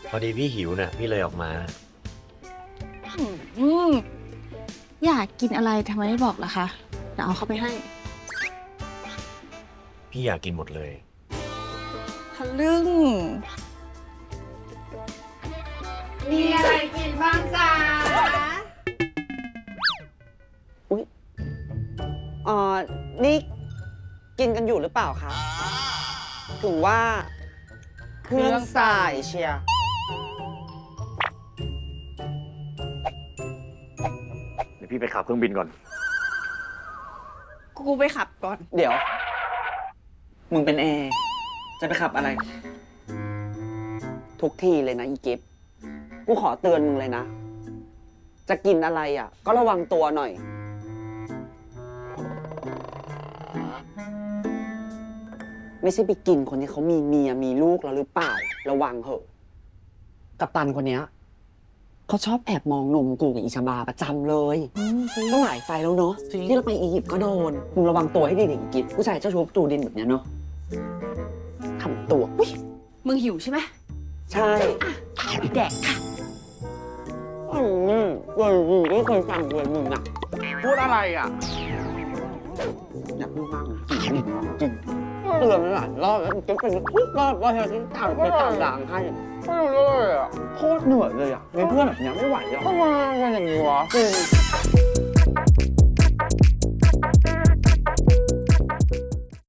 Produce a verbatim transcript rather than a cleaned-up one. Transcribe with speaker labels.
Speaker 1: พอดีพี่หิวน่ะพี่เลยออกมา
Speaker 2: อืมอยากกินอะไรทำไมไม่บอกล่ะคะเดี๋ยวเอาเข้าไปให้
Speaker 1: พี่อยากกินหมดเลย
Speaker 2: ทะลึ่ง
Speaker 3: มีอะไรกินบ้างจ๊ะ
Speaker 4: อุ๊ยเอ่อนี่กินกันอยู่หรือเปล่าคะ ถึงว่าเครื่องสายเชียร์
Speaker 5: เดี๋ยวพี่ไปขับเครื่องบินก่อน
Speaker 2: กูไปขับก่อน
Speaker 4: เดี๋ยว มึงเป็นแอร์ จะไปขับอะไร ทุกทีเลยนะอีกิฟกูขอเตือนมึงเลยนะ จะกินอะไรอ่ะ ก็ระวังตัวหน่อย ไม่ใช่ไปกินคนที่เขามีเมียมีลูกแล้วหรือเปล่า ระวังเถอะ กัปตันคนเนี้ยเขาชอบแอบมองนมกูกับอิชาบาประจำเลยต้องหลายไฟแล้วเนาะที่เราไปอียิปต์ก็โดนมึงระวังตัวให้ดีๆอีกิฟผู้ชายเจ้าชู้ตูดินแบบเนี้ยเนาะทำตัวอุ๊ย
Speaker 2: มึงหิวใช่ไหม
Speaker 4: ใช่
Speaker 2: แดกค่ะ
Speaker 4: อืมเว้ยมึงไม่เคยฟังเลยมึงอ่ะ
Speaker 5: พูดอะไรอ่ะ
Speaker 4: อย่าพูดมากนะจริงเตือนมันหลายรอบแล้วจะเป็นทุกรอบว่าเธอต้องตามไปตามด่างให้
Speaker 5: ไม่รู้เลยอ่ะ
Speaker 4: โคตรเหนื่อยเลยอ่ะมีเพื่อนแบบเนี้ยไม่ไหวอ่ะ
Speaker 5: ทำไมเป็นอย่างนี้วะ
Speaker 4: จริง